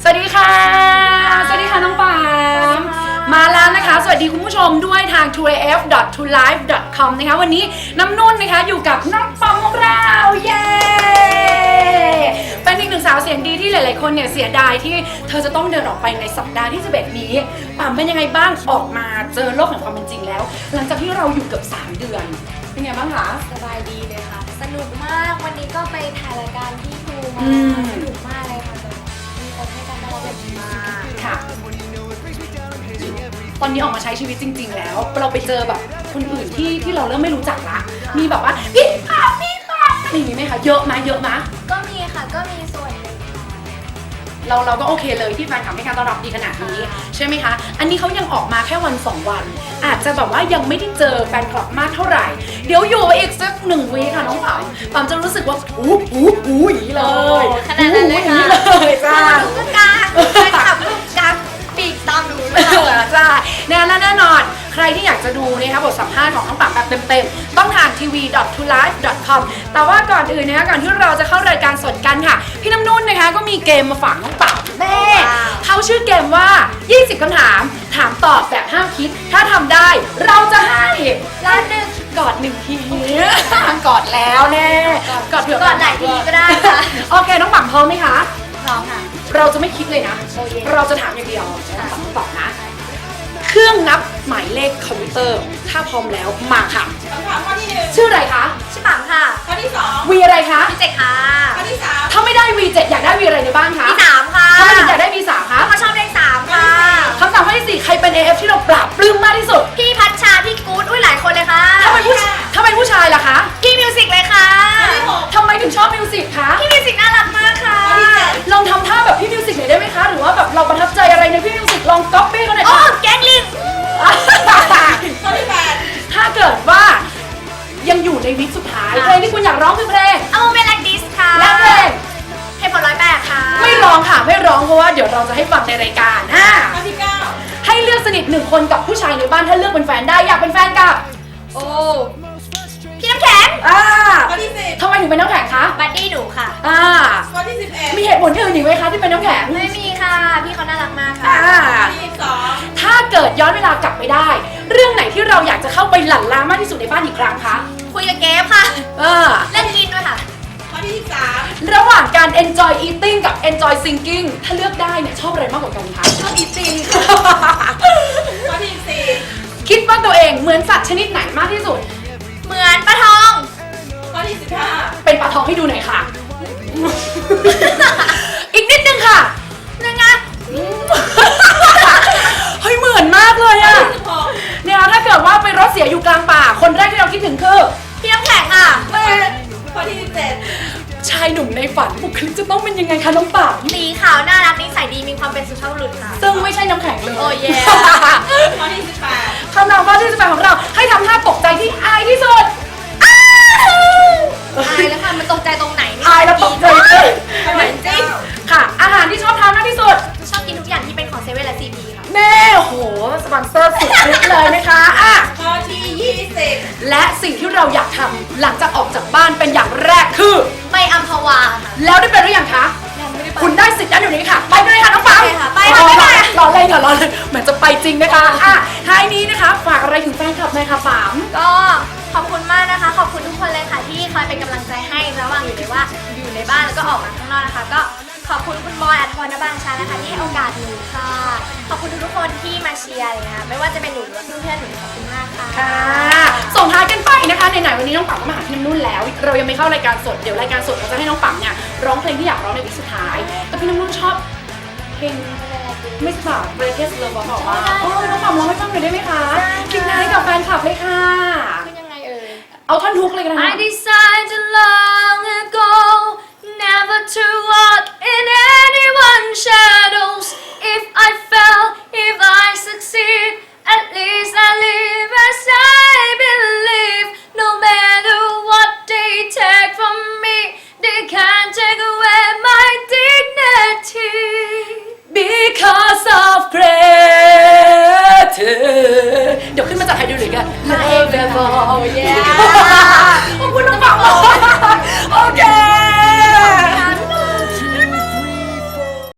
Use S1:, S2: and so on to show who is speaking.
S1: วัสดีค่ะสวัสดีค่ะน้องปามมาแล้วนะคะสวัสดีคุณผู้ชมด้วยทาง 2af.2live.com นะคะวันนี้น้ำนุ่นนะคะอยู่กับน้องปามของเราเย้เป็นอีกหนึ่งสาวเสียงดีที่หลายๆคนเนี่ยเสียดายที่เธอจะต้องเดินออกไปในสัปดาห์ที่11นี้ปามเป็นยังไงบ้างออกมาเจอโลกแห่งความเป็นจริงแล้วหลังจากที่เราอยู่เกือบ3 เดือนเป็นไงบ้างคะ
S2: สบายดีเลยค่ะสนุกมากวันนี้ก็ไปถ่ายรายการที่ภูมาสนุกมากเลยค่ะมีคนให้การต้อนรับแบบดีมาก
S1: ค่ะตอนนี้ออกมาใช้ชีวิตจริงๆแล้วเราไปเจอแบบคนอื่นที่เราเริ่มไม่รู้จักละมีแบบว่าพี่ค่ะอะไรอย่างนี้ไหมคะเยอะไหม
S2: ก็มีค่ะก็มีส่วนหนึ่งค่ะ
S1: เราก็โอเคเลยที่แฟนคลับให้การต้อนรับดีขนาดนี้ใช่ไหมคะอันนี้เขายังออกมาแค่วัน2 วันอาจจะแบบว่ายังไม่ได้เจอแฟนคลับมากเท่าไหร่เดี๋ยวอยู่อีกสัก1 วีค่ะน้องปามจะรู้สึกว่าอู้อย่างนี้เลย
S2: ขนาดนั้นเลยค่ะ
S1: เลยจ้า
S2: ทุกการแฟนคลับทุกการปีกตามดูเลย
S1: จ้าแน่นอนใครที่อยากจะดูนะคะบทสัมภาษณ์ของน้องปามแบบเต็มๆต้องทาง tv.2live.com แต่ว่าก่อนอื่นนะคะก่อนที่เราจะเข้ารายการสดกันค่ะพี่น้ำนุ่นนะคะก็มีเกมมาฝากน้องปามแม่เขาชื่อเกมว่า20 คำถามถามตอบแบบห้ามคิดถ้าทำได้เราจะให้ล้านหนึ่งกอด1 ทีกอดแล้วแน่กอดเผื่อก
S2: อดไหนทีก็ได้ค่ะ
S1: โอเคน้องปามพร้อมไหมคะ
S2: พร้อมค่ะ
S1: เราจะไม่คิดเลยนะเราจะถามอย่างเดียวต้องตอบนะเครื่องนับหมายเลขคอมพิวเตอร์ถ้าพร้อมแล้วมาค่ะ
S3: คำถามข้อที่1
S1: ชื่ออะไรคะ
S2: ชื่อปังค่ะ
S3: ข้อที่2
S1: วีอะไรคะ
S2: พี่เจค่ะ
S3: ข้อที่3
S1: ถ้าไม่ได้ V7 อยากได้ V อะไรในบ้านคะ
S2: พี่3ค่ะ
S1: ถ้าไม่อยากได้ V3 คะ
S2: เขาชอบเลข3ค่ะ
S1: คำถามข้อที่4ใครเป็น AF ที่เราปราบปลื้มมากที่สุด
S2: พี่พัชชาพี่กู๊ดอุ้ยหลายคนเลยค่ะ
S1: ถ้าเป็นผู้ชายล่ะคะ
S2: พี่มิวสิกเลยค่ะ
S1: ทำไมถึงชอบมิวสิกคะ
S2: พี่มิวสิกน่ารักมากค่ะ
S1: ลองทำท่าแบบพี่มิวสิกหน่อยได้ไหมคะหรือว่าแบบเราประทับใจอะไรในพี่มิวสิกลองก๊อปปี้เขาหน่อยค่ะ
S2: แก๊งลิง
S3: ข้อที่8
S1: ถ้าเกิดว่ายังอยู่ในวิกสุดท้ายเพลงที่คุณอยากร้องคือเพลง
S2: A Moment Like This ค่ะ
S1: และเพลง
S2: ให้ผล108ค่ะ
S1: ไม่ร้องค่ะไม่ร้องเพราะว่าเดี๋ยวเราจะให้ฟังในรายการ
S3: ข้อที่9
S1: ให้เลือกสนิท1 คนกับผู้ชายในบ้านถ้าเลือกเป็นแฟนได้อยากเป็นแฟนกับ
S2: โอ้พี่น้ำแข็ง
S3: ข้อที่10
S1: ทำไมถึงเป็นน้ำแข็งคะ
S2: บัดดี้หนูค่ะ
S3: ข้อที่11
S1: มีเหตุผลอื่นอีกไหมคะที่เป็นน้ำแข็ง
S2: ไม่มีค่ะพี่เขาน่ารักมากค่ะ
S3: ข้อที่12
S1: ถ้าเกิดย้อนเวลากลับไปได้เรื่องไหนที่เราอยากจะเข้าไปหลั่นล้ามากที่สุดในบ้านอีกครั้งคะ
S2: คุยกับเกฟค่ะเล่นกินด้วยค่ะ
S3: ข้อที่13
S1: ระหว่างการ enjoy eating กับ enjoy singing ถ้าเลือกได้เนี่ยชอบอะไรมากกว่ากันคะ
S2: ชอบ eating ค่ะ
S3: ข้อที่14
S1: คิดว่าตัวเองเหมือนสัตว์ชนิดไหนมากที่สุด
S2: เหมือนปลาทอง
S3: ข้อที่15
S1: เป็นปลาทองให้ดูหน่อยค่ะ อีกนิดนึงค่ะ
S2: ยังไง
S1: เฮ้ยเหมือนมากเลยอะเนี่ยถ้าเกิดว่าไปรถเสียอยู่กลางป่าคนแรกที่เราคิดถึงคือ
S2: พี่น้ำแข็งค่ะ
S3: ข้อที่17
S1: ชายหนุ่มในฝันบุคลิกจะต้องเป็นยังไงคะน้องป่า
S2: สีขาวน่ารักนิสัยดีมีความเป็นสุภาพบุรุษค่ะ
S1: ซึ่งไม่ใช่น้ำแข็งเลย
S2: โอ้ย
S3: ข้อที่18
S1: คำถามข้อที่18ของเราให้ทำท่าตกใจที่อายที่สุด
S2: อายแล้วค่ะมันตกใจตรงไหน
S1: อายแล้วตกใจเลย
S2: เหมือนจริง
S1: ค่ะอาหารที่ชอบทานมากที่สุด
S2: ชอบกินทุกอย่างที่เป็นของเซเว่นและซีพีค่ะ
S1: แน่โหสปอนเซอร์สุดฤทธิ์เลยนะคะ
S3: ข้อที่20
S1: และสิ่งที่เราอยากทำหลังจากออกจากบ้านเป็นอย่างแรกคือ
S2: ไปอัมพวา
S1: แล้วได้ไปหรือยังคะ
S2: ยังไม่ได้ไป
S1: คุณได้สิทธิ์นั้นอยู่นี้ค่ะไปเลยค่ะน้องปาม
S2: ไปค่ะไป
S1: รอเลยเหมือนจะไปจริงนะคะท้ายนี้นะคะฝากอะไรถึงแฟนคลับหน่อยค่ะปาม
S2: ก็ขอบคุณมากนะคะขอบคุณทุกคนเลยค่ะที่คอยเป็นกำลังใจให้ระหว่างอยู่ในบ้านแล้วก็ออกมาข้างนอกนะคะก็ขอบคุณคุณบอยอัธพร ณ บางชานะคะที่ให้โอกาสหนูค่ะขอบคุณทุกคนที่มาเชียร์เลยนะไม่ว่าจะเป็นหนูหรือเพื่อนๆหนูขอบคุณมากค่ะ
S1: ส่งท้ายกันไปนะคะไหนๆวันนี้น้องปั๊มก็มาหาพี่น้ำนุ่นแล้วเรายังไม่เข้ารายการสดเดี๋ยวรายการสดเราจะให้น้องปั๊มเนี่ยร้องเพลงที่อยากร้องในวิสุดท้ายแต่พี่น้ำนุ่นชอบเพลงไม่ทราบเบรเทสเลยบอกว่าน้องปั๊มร้องให้ฟังหน่อยได้ไหมคะทิ้งท้ายกับแฟนคลับเลยค่ะเอาท่อนฮุกเลยกันนะ
S2: I decided long ago never to walk in anyone's shadows if I fail if I succeed at least I live as I believe no matter what they take from me they can't take away my dignity
S1: because of gratitude เดี๋ยวขึ้นมาจากไทยดูเลยกัน
S2: Never
S1: ขอบคุณน้องปั๊ม